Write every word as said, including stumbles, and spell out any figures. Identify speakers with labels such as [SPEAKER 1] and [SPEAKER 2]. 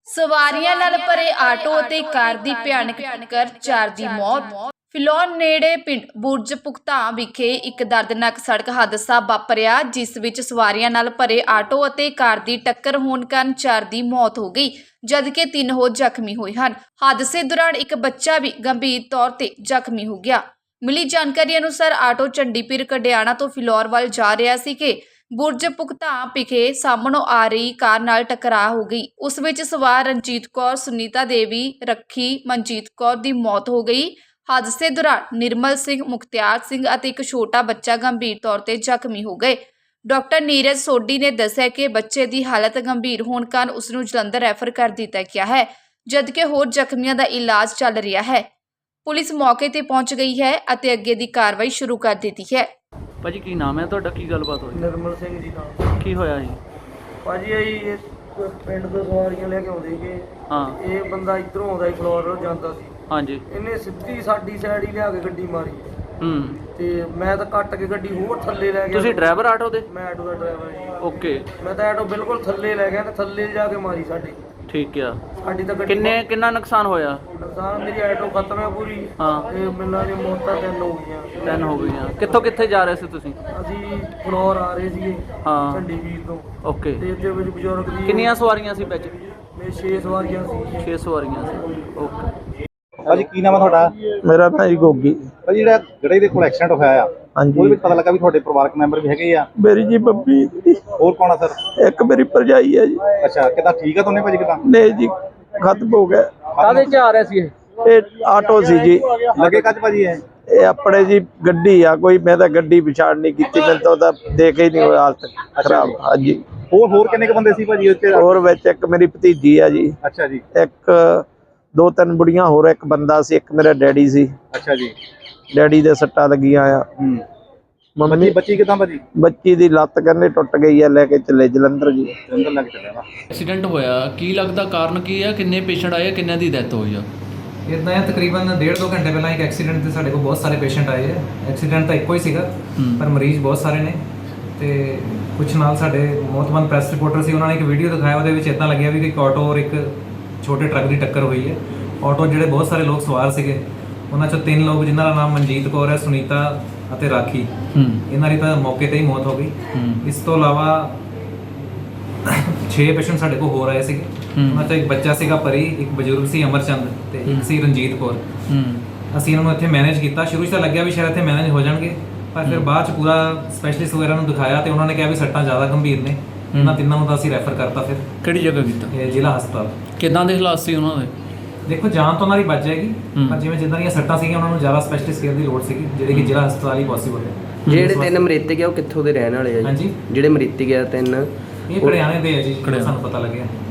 [SPEAKER 1] ਸਵਾਰੀਆਂ ਨਾਲ ਭਰੇ ਆਟੋ ਅਤੇ ਕਾਰ ਦੀ ਭਿਆਨਕ ਟੱਕਰ, ਚਾਰ ਦੀ ਮੌਤ। ਫਿਲੌਰ ਨੇੜੇ ਪਿੰਡ ਬੁਰਜ ਭੁਗਤਾਂ ਵਿਖੇ ਇੱਕ ਦਰਦਨਾਕ ਸੜਕ ਹਾਦਸਾ ਵਾਪਰਿਆ, ਜਿਸ ਵਿੱਚ ਸਵਾਰੀਆਂ ਨਾਲ ਭਰੇ ਆਟੋ ਅਤੇ ਕਾਰ ਦੀ ਟੱਕਰ ਹੋਣ ਕਾਰਨ ਚਾਰ ਦੀ ਮੌਤ ਹੋ ਗਈ, ਜਦਕਿ ਤਿੰਨ ਹੋਰ ਜ਼ਖਮੀ ਹੋਏ ਹਨ। ਹਾਦਸੇ ਦੌਰਾਨ ਇੱਕ ਬੱਚਾ ਵੀ ਗੰਭੀਰ ਤੌਰ ਤੇ ਜ਼ਖਮੀ ਹੋ ਗਿਆ। ਮਿਲੀ ਜਾਣਕਾਰੀ ਅਨੁਸਾਰ ਆਟੋ ਚੰਡੀਪੀਰ ਕਡਿਆਣਾ ਤੋਂ ਫਿਲੌਰ ਵੱਲ ਜਾ ਰਿਹਾ ਸੀ ਕਿ ਬੁਰਜ ਭੁਗਤਾਂ ਵਿਖੇ ਸਾਹਮਣੋਂ ਆ ਰਹੀ ਕਾਰ ਨਾਲ ਟਕਰਾਅ ਹੋ ਗਈ। ਉਸ ਵਿੱਚ ਸਵਾਰ ਰਣਜੀਤ ਕੌਰ, ਸੁਨੀਤਾ ਦੇਵੀ, ਰੱਖੀ ਮਨਜੀਤ ਕੌਰ ਦੀ ਮੌਤ ਹੋ ਗਈ। ਹਾਦਸੇ ਦੌਰਾਨ ਨਿਰਮਲ ਸਿੰਘ, ਮੁਖਤਿਆਰ ਸਿੰਘ ਅਤੇ ਇੱਕ ਛੋਟਾ ਬੱਚਾ ਗੰਭੀਰ ਤੌਰ ਤੇ ਜ਼ਖਮੀ ਹੋ ਗਏ। ਡਾਕਟਰ ਨੀਰਜ ਸੋਢੀ ਨੇ ਦੱਸਿਆ ਕਿ ਬੱਚੇ ਦੀ ਹਾਲਤ ਗੰਭੀਰ ਹੋਣ ਕਾਰਨ ਉਸ ਨੂੰ ਜਲੰਧਰ ਰੈਫਰ ਕਰ ਦਿੱਤਾ ਗਿਆ ਹੈ, ਜਦਕਿ ਹੋਰ ਜ਼ਖਮੀਆਂ ਦਾ ਇਲਾਜ ਚੱਲ ਰਿਹਾ ਹੈ। ਪੁਲਿਸ ਮੌਕੇ ਤੇ ਪਹੁੰਚ ਗਈ ਹੈ ਅਤੇ ਅੱਗੇ ਦੀ ਕਾਰਵਾਈ ਸ਼ੁਰੂ ਕਰ ਦਿੱਤੀ ਹੈ।
[SPEAKER 2] ਭਾਜੀ ਕੀ ਨਾਮ ਹੈ ਤੁਹਾਡਾ, ਕੀ ਗੱਲਬਾਤ ਹੋਈ?
[SPEAKER 3] ਨਿਰਮਲ ਸਿੰਘ ਜੀ ਨਾਮ।
[SPEAKER 2] ਕੀ ਹੋਇਆ ਜੀ?
[SPEAKER 3] ਭਾਜੀ ਇਹ ਪਿੰਡ ਤੋਂ ਸਵਾਰੀਆਂ ਲੈ ਕੇ ਆਉਂਦੇ ਸੀਗੇ।
[SPEAKER 2] ਹਾਂ।
[SPEAKER 3] ਇਹ ਬੰਦਾ ਇੱਧਰੋਂ ਆਉਂਦਾ ਸੀ, ਫਲੋਰ ਜਾਂਦਾ ਸੀ।
[SPEAKER 2] ਹਾਂਜੀ।
[SPEAKER 3] ਇਹਨੇ ਸਿੱਧੀ ਸਾਡੀ ਸਾਈਡ ਹੀ ਲਿਆ ਕੇ ਗੱਡੀ ਮਾਰੀ।
[SPEAKER 2] ਹੂੰ।
[SPEAKER 3] ਤੇ ਮੈਂ ਤਾਂ ਕੱਟ ਕੇ ਗੱਡੀ ਹੋਰ ਥੱਲੇ ਲੈ ਗਿਆ।
[SPEAKER 2] ਤੁਸੀਂ ਡਰਾਈਵਰ ਆਟੋ ਦੇ?
[SPEAKER 3] ਮੈਂ ਆਟੋ ਦਾ ਡਰਾਈਵਰ ਜੀ।
[SPEAKER 2] ਓਕੇ।
[SPEAKER 3] ਮੈਂ ਤਾਂ ਆਟੋ ਬਿਲਕੁਲ ਥੱਲੇ ਲੈ ਗਿਆ ਤੇ ਥੱਲੇ ਜਾ ਕੇ ਮਾਰੀ ਸਾਡੀ।
[SPEAKER 2] ਠੀਕ ਆ।
[SPEAKER 3] ਸਾਡੀ ਤਾਂ ਗੱਡੀ
[SPEAKER 2] ਕਿੰਨੇ ਕਿੰਨਾ ਨੁਕਸਾਨ ਹੋਇਆ?
[SPEAKER 3] ਨੁਕਸਾਨ ਮੇਰੀ ਆਟੋ ਖਤਮ ਹੈ ਪੂਰੀ।
[SPEAKER 2] ਹਾਂ।
[SPEAKER 3] ਤੇ ਮਿਲਾਂ ਦੀ ਮੌਤਾਂ ਤਿੰਨ ਹੋ ਗਈਆਂ।
[SPEAKER 2] ਤਿੰਨ ਹੋ ਗਈਆਂ। ਕਿੱਥੋਂ ਕਿੱਥੇ ਜਾ ਰਹੇ ਸੀ ਤੁਸੀਂ?
[SPEAKER 3] ਅਸੀਂ ਫਲੋਰ ਆ ਰਹੇ ਸੀਗੇ।
[SPEAKER 2] ਹਾਂ।
[SPEAKER 3] ਚੰਡੀਗੜ੍ਹ ਤੋਂ।
[SPEAKER 2] ਓਕੇ।
[SPEAKER 3] ਤੇ ਇਹਦੇ ਵਿੱਚ ਬਜ਼ੁਰਗ ਦੀ
[SPEAKER 2] ਕਿੰਨੀਆਂ ਸਵਾਰੀਆਂ ਸੀ ਵਿੱਚ?
[SPEAKER 3] ਮੇਰੇ ਛੇ ਸਵਾਰੀਆਂ ਸੀ।
[SPEAKER 2] ਛੇ ਸਵਾਰੀਆਂ ਸੀ। ਓਕੇ।
[SPEAKER 4] ਭਾਜੀ ਕੀ ਨਾਮ ਹੈ ਤੁਹਾਡਾ?
[SPEAKER 5] ਮੇਰਾ ਨਾਂ ਜੀ ਗੋਗੀ।
[SPEAKER 4] ਭਾਜੀ ਜਿਹੜਾ ਜਿਹੜੇ ਦੇ ਕੋਲ ਐਕਸੀਡੈਂਟ ਹੋਇਆ ਆ,
[SPEAKER 5] ਹਾਂਜੀ।
[SPEAKER 4] ਉਹਦੇ ਵਿੱਚ ਪਤਾ ਲੱਗਾ ਵੀ ਤੁਹਾਡੇ ਪਰਿਵਾਰਕ ਮੈਂਬਰ ਵੀ ਹੈਗੇ ਆ।
[SPEAKER 5] ਮੇਰੀ ਜੀ ਬੱਬੀ,
[SPEAKER 4] ਹੋਰ ਕੌਣ ਆ ਸਰ?
[SPEAKER 5] ਇੱਕ ਮੇਰੀ ਭਰਜਾਈ ਹੈ ਜੀ।
[SPEAKER 4] ਅੱਛਾ, ਕਿੱਦਾਂ ਠੀਕ ਆ ਦੋਨੇ ਭਾਜੀ? ਕਿੱਦਾਂ
[SPEAKER 5] ਨਹੀਂ ਜੀ, ਖਤਮ ਹੋ ਗਿਆ।
[SPEAKER 2] ਕਾਹਦੇ ਚ ਆ ਰਹੇ ਸੀ ਇਹ?
[SPEAKER 5] ਇਹ ਆਟੋ ਸੀ ਜੀ।
[SPEAKER 4] ਲੱਗੇ ਕੱਜ ਭਾਜੀ ਇਹ?
[SPEAKER 5] ਇਹ ਆਪਣੇ ਜੀ ਗੱਡੀ ਆ ਕੋਈ, ਮੈਂ ਤਾਂ ਗੱਡੀ ਵਿਚਾਰ ਨਹੀਂ ਕੀਤੀ, ਮੈਨੂੰ ਤਾਂ ਉਹਦਾ ਦੇਖ ਹੀ ਨਹੀਂ ਹੋਇਆ ਹਾਲਤ ਖਰਾਬ। ਹਾਂਜੀ।
[SPEAKER 4] ਹੋਰ ਹੋਰ ਕਿੰਨੇ ਕ ਬੰਦੇ ਸੀ ਭਾਜੀ ਉੱਥੇ?
[SPEAKER 5] ਹੋਰ ਵਿੱਚ ਇੱਕ ਮੇਰੀ ਭਤੀਜੀ ਆ ਜੀ।
[SPEAKER 4] ਅੱਛਾ ਜੀ।
[SPEAKER 5] ਇੱਕ ਦੋ ਤਿੰਨ ਬੁੜੀਆਂ ਹੋਰ, ਇੱਕ ਬੰਦਾ ਸੀ, ਇੱਕ ਮੇਰਾ ਡੈਡੀ ਸੀ।
[SPEAKER 4] ਅੱਛਾ ਜੀ।
[SPEAKER 5] ਡੈਡੀ ਦੇ ਸੱਟਾਂ ਲੱਗੀਆਂ ਆ।
[SPEAKER 4] ਹੂੰ।
[SPEAKER 5] ਮੰਮੀ
[SPEAKER 4] ਬੱਚੀ ਕਿੱਦਾਂ ਭਾਜੀ?
[SPEAKER 5] ਬੱਚੀ ਦੀ ਲੱਤ ਕਹਿੰਦੇ ਟੁੱਟ ਗਈ ਆ, ਲੈ ਕੇ ਚੱਲੇ ਜਲੰਧਰ ਜੀ।
[SPEAKER 4] ਜਲੰਧਰ ਲੱਗ ਚੱਲਿਆ ਵਾ।
[SPEAKER 2] ਐਕਸੀਡੈਂਟ ਹੋਇਆ, ਕੀ ਲੱਗਦਾ ਕਾਰਨ ਕੀ ਆ? ਕਿੰਨੇ ਪੇਸ਼ੈਂਟ ਆਏ, ਕਿੰਨਿਆਂ ਦੀ ਡੈਥ ਹੋਈ ਆ?
[SPEAKER 6] ਇੱਦਾਂ ਹੈ, ਤਕਰੀਬਨ ਡੇਢ ਦੋ ਘੰਟੇ ਪਹਿਲਾਂ ਇੱਕ ਐਕਸੀਡੈਂਟ ਤੇ ਸਾਡੇ ਕੋਲ ਬਹੁਤ ਸਾਰੇ ਪੇਸ਼ੈਂਟ ਆਏ ਹੈ। ਐਕਸੀਡੈਂਟ ਤਾਂ ਇੱਕੋ ਹੀ ਸੀਗਾ, ਪਰ ਮਰੀਜ਼ ਬਹੁਤ ਸਾਰੇ ਨੇ। ਤੇ ਕੁਝ ਨਾਲ ਸਾਡੇ ਮੌਤਮੰਦ ਪ੍ਰੈਸ ਰਿਪੋਰਟਰ ਸੀ, ਉਹਨਾਂ ਨੇ ਇੱਕ ਵੀਡੀਓ ਦਿਖਾਇਆ, ਉਹਦੇ ਵਿੱਚ ਇੱਦਾਂ ਲੱਗਿਆ ਵੀ ਇੱਕ ਆਟੋ ਔਰ ਇੱਕ ਛੋਟੇ ਟਰੱਕ ਦੀ ਟੱਕਰ ਹੋਈ ਹੈ। ਆਟੋ ਜਿਹੜੇ ਬਹੁਤ ਸਾਰੇ ਲੋਕ ਸਵਾਰ ਸੀਗੇ, ਉਹਨਾਂ ਚੋਂ ਤਿੰਨ ਲੋਕ ਜਿਨ੍ਹਾਂ ਦਾ ਨਾਮ ਮਨਜੀਤ ਕੌਰ ਹੈ, ਸੁਨੀਤਾ ਅਤੇ ਰਾਖੀ, ਇਹਨਾਂ ਦੀ ਤਾਂ ਮੌਕੇ ਤੇ ਹੀ ਮੌਤ ਹੋ ਗਈ। ਇਸ ਤੋਂ ਇਲਾਵਾ ਛੇ ਪੇਸ਼ੈਂਟ ਸਾਡੇ ਕੋਲ ਹੋਰ ਆਏ ਸੀਗੇ। ਉਹਨਾਂ ਚੋਂ ਇੱਕ ਬੱਚਾ ਸੀਗਾ ਪਰੀ, ਇੱਕ ਬਜ਼ੁਰਗ ਸੀ ਅਮਰਚੰਦ, ਤੇ ਇੱਕ ਸੀ ਰਣਜੀਤ ਕੌਰ। ਅਸੀਂ ਇਹਨਾਂ ਨੂੰ ਇੱਥੇ ਮੈਨੇਜ ਕੀਤਾ। ਸ਼ੁਰੂ 'ਚ ਤਾਂ ਲੱਗਿਆ ਵੀ ਸ਼ਾਇਦ ਇੱਥੇ ਮੈਨੇਜ ਹੋ ਜਾਣਗੇ, ਪਰ ਫਿਰ ਬਾਅਦ 'ਚ ਪੂਰਾ ਸਪੈਸ਼ਲਿਸਟ ਵਗੈਰਾ ਨੂੰ ਦਿਖਾਇਆ ਤੇ ਉਹਨਾਂ ਨੇ ਕਿਹਾ ਵੀ ਸੱਟਾਂ ਜ਼ਿਆਦਾ ਗੰਭੀਰ ਨੇ। ਇਹਨਾਂ ਤਿੰਨਾਂ ਨੂੰ ਤਾਂ ਅਸੀਂ ਰੈਫਰ ਕਰਤਾ ਫਿਰ।
[SPEAKER 2] ਕਿਹੜੀ ਜਗ੍ਹਾ ਕੀਤਾ?
[SPEAKER 6] ਇਹ ਜ਼ਿਲ੍ਹਾ ਹਸਪਤਾਲ।
[SPEAKER 2] ਕਿੱਦਾਂ ਦੇ ਹਾਲਾਤ ਸੀ ਉਹਨਾਂ ਦੇ?
[SPEAKER 6] ਦੇਖੋ, ਜਾਨ ਤਾਂ ਉਹਨਾਂ ਦੀ ਬਚ ਜਾਏਗੀ, ਪਰ ਜਿਵੇਂ ਜਿੱਦਾਂ ਦੀਆਂ ਸੱਟਾਂ ਸੀਗੀਆਂ, ਉਹਨਾਂ ਨੂੰ ਜ਼ਿਆਦਾ ਸਪੈਸ਼ਲਿਸਟ ਕੇਅਰ ਦੀ ਲੋੜ ਸੀਗੀ, ਜਿਹੜੇ ਕਿ ਜ਼ਿਲ੍ਹਾ ਹਸਪਤਾਲ ਹੀ ਪੋਸੀਬਲ ਹੈ।
[SPEAKER 7] ਜਿਹੜੇ ਤਿੰਨ ਮ੍ਰਿਤਕ ਆ ਉਹ ਕਿੱਥੋਂ ਦੇ ਰਹਿਣ ਵਾਲੇ ਆ ਜੀ?
[SPEAKER 6] ਹਾਂਜੀ।
[SPEAKER 7] ਜਿਹੜੇ ਮ੍ਰਿਤਕ ਆ ਤਿੰਨ,
[SPEAKER 6] ਇਹ ਕੜਿਆਣੇ ਦੇ ਆ ਜੀ, ਸਾਨੂੰ ਪਤਾ ਲੱਗਿਆ।